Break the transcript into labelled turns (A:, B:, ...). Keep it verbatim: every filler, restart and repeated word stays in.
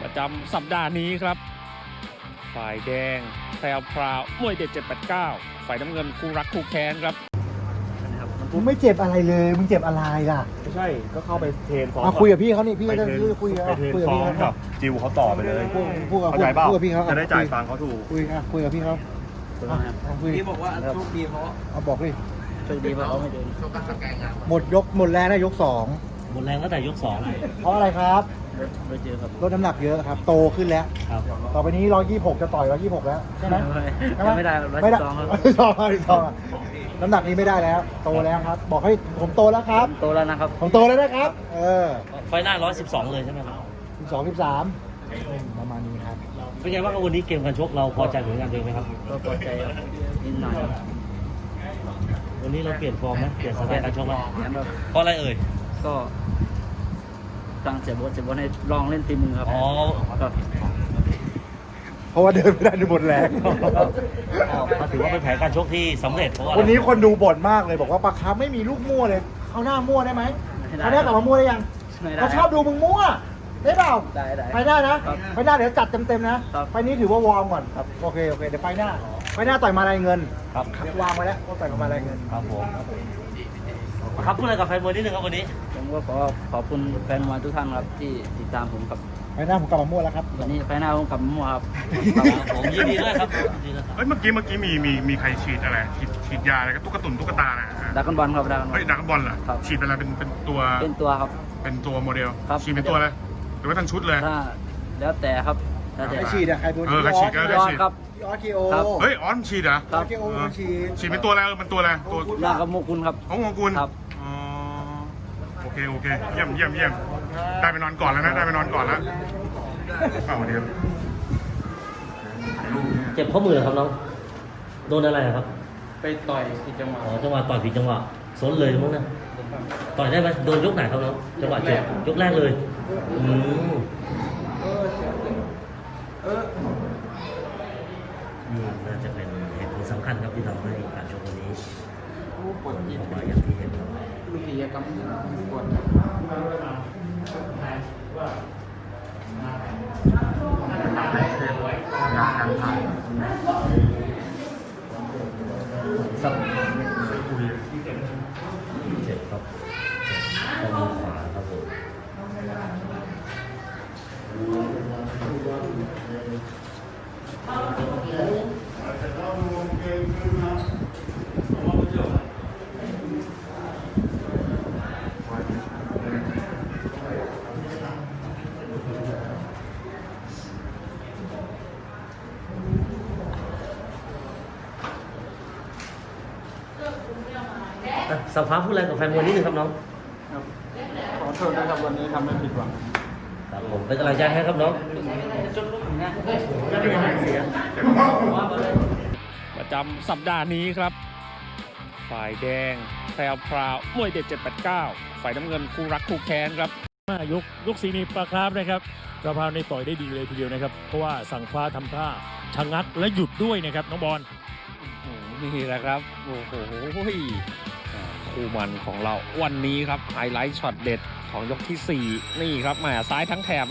A: ประจำสัปดาห์นี้ครับฝ่ายแดงแพรวพราวมวยเด็ดเจ็ดแปดเก้าฝ่ายน้ำเงินคู่รักคู่แค้นครับ
B: มึงไม่เจ็บอะไรเลยมึงเจ็บอะไรล่ะ
C: ไม่ใช่ก็เข้าไปเทรนซ้อม
B: มาคุยกับพี่เขานี่พี่
C: ไป
B: จะ
C: เทรน
B: คุยกับ
C: ไปเทรน
B: คุยกับ
C: ซ้อ
B: พี่
C: ม
B: เขา
C: กับจิวเขาต่อไปเลย
B: พูดพูดกับ
C: เข้าใจเปล่า
B: พูดกับพี่เขา
C: จะได้จ่ายตังค์เขาถูก
B: คุยอ่ะคุยกับพี่เขาอ่ะคุย
D: พี่บอกว่าโชคดีเพราะ
B: เอาบอกดิ
D: โชคดีเพราะเขาไม่เดิน
B: หมดยกหมดแรงนะยกสอง
E: หมดแรงตั้งแต่ยกสอง
B: เพราะอะไรครับ
D: ไปเจอครับ
B: ลดน้ำหนักเยอะครับโตขึ้นแล้ว
E: ครับ
B: ต่อไปนี้ร้อยยี่สิบหกจะต่อยร้อยยี่สิบหกแล้วใช่ไหม
D: ไม่ได้ร้อย
B: ไม่
D: สิ
B: ได้
D: บสองครับ
B: ร้อยสิบสองร้อยสิบสองน้ำหนักนี้ไม่ได้แล้วโตแล้วครับ บอกให้ผมโตแล้วครับ
D: โตแล้วนะครับ
B: ผมโตแล้วนะครับ เออ
E: ไฟหน้าร้อยสิบสองเลยใช่ไหมครับ
B: สิบสองสิบสามประมาณนี้ครับ
E: เป็นไงบ้างครับวันนี้เกมการชกเราพอใจผลงานตัวเองไหมครับ
D: ก็พอใจครับนิดหน่อยครับ
E: วันนี้เราเปลี่ยนฟอร์มไหมเปลี่ยนสไตล์การชกไหม
D: งั้นก็
E: เพราะอะไรเอ่ย
D: ก็ตั้งเสียบทเสียบทให้ลองเล่นตีมือครับ
E: อ๋อ
D: ครับ
B: เพราะว่าเดินไม่ได้หมดแรง
E: ก็ถือว่าเป็นแผนการชกที่สำเร็จเพราะว่า
B: วันนี้คนดูบ่นมากเลยบอกว่าปลาคาร์ฟไม่มีลูกมั่วเลยเขาหน้ามั่วได้ไหมเขาได้กลับมามั่วได้ยัง
D: ไม่ได้
B: เขาชอบดูมึงมั่วได้เปล่า
D: ได้ได้
B: ไปได้นะครับ ไปหน้าเดี๋ยวจัดเต็มๆนะครับ ไฟนี้ถือว่าวอร์มก่อนครับโอเคโอเคเดี๋ยวไฟหน้าไฟหน้าต่อยมาลายเงิน
E: ครับ
B: วางไว้แล้วว่าต่อยมาลายเงิน
E: ครับผมครับพูดอะไรกับแฟนมวยนิดนึงครับวันนี้
D: ผมก็ขอขอบคุณแฟนมวยทุกท่านครับที่ติดตามผมครับ
B: ไฟหน้าผมกลับมามั่วแล้วครับ
D: วันนี้ไปหน้าผมกลับมามั่วครับ
E: ครับผมยินดีด้วยครับยินดีด้วยครับ
F: เฮ้ยเมื่อกี้เมื่อกี้มีมีมีใครฉีดอะไรฉีดฉีดยาอะไรกับตุ๊กตุนตุ๊กตานะ
D: ดักกันบอลครับดักกันบอ
F: เฮ้
D: ล
F: ยดักบอลเหรอ
D: ครับ
F: ฉีดเป็นอะไรเป็นเป็นตัว
D: เป็นตัวครับ
F: เป็นตัวโมเดล
D: ครับ
F: ฉีดเป็นตัวอะไรหรือว่าทั้งชุดเลย
D: ถ้าแล้วแต่ครับแล้วแต่
B: ใครฉีดอะใครโดน
F: เออใครฉีดก็
D: ย
F: ได้
D: อด
F: ฉีด
D: ครับ
B: พี่ออสเคโอ
D: ครับ
F: เฮ้ยออนฉีดเหรอ
B: ออสเคโอเป็นฉีด
F: ฉีดเป็นตัวอะไรเออเป็นตัวอะไรตัว
D: หน้ากับโมกุลครับ
F: ของของคุณ
D: ครับ
F: อ๋อโอเคโอเคเยี่ยมเยี่ยมเยี่ยมได้ไปนอนก่อนแล้วนะได้ไปนอนก่อนแล้วเปล่าเดียว
E: เจ็บข้อมือเหรอครับน้องโดนอะไรครับ
D: ไปต่อยที่จังหวัด
E: อ๋อจังหวะต่อยผิดจังหวะซนเลยมั้งนะต่อยได้ไหมโดนยกไหนครับน้องจังหวะเจ็บยกแรกเลยอืมนี่น่าจะเป็นเหตุผลสำคัญครับที่ทำให้การชกวันนี้ผลออกมาอย่างที่เห็นครับ
D: ลูกกิจกรรมกด
E: สักเจ็บครับข้อมือขวาครับผมสัมภาษณ์พูดอะไรกับแฟนมวยนิดนึงครับน้อง
D: ขอโทษนะครับวันนี้ทำให้ผิดหวัง
E: ครับผมเป็นกำลังใจให้ครับน้อง
A: ประจำสัปดาห์นี้ครับฝ่ายแดงแพรวพราวมวยเด็ดเจ็ดแปดเก้าฝ่ายน้ำเงินคู่รักคู่แค้นครับ
G: ยกยกสีนีปลาคราฟนะครับกระเพราในต่อยได้ดีเลยทีเดียวนะครับ เพราะว่าสั่งฟ้าทำท่าชะงักและหยุดด้วยนะครับน้องบอล
A: อืมนี่แหละครับ โอ้โหคู่มันของเราวันนี้ครับไฮไลท์ช็อตเด็ดของยกที่สี่นี่ครับแหมซ้ายทั้งแถบ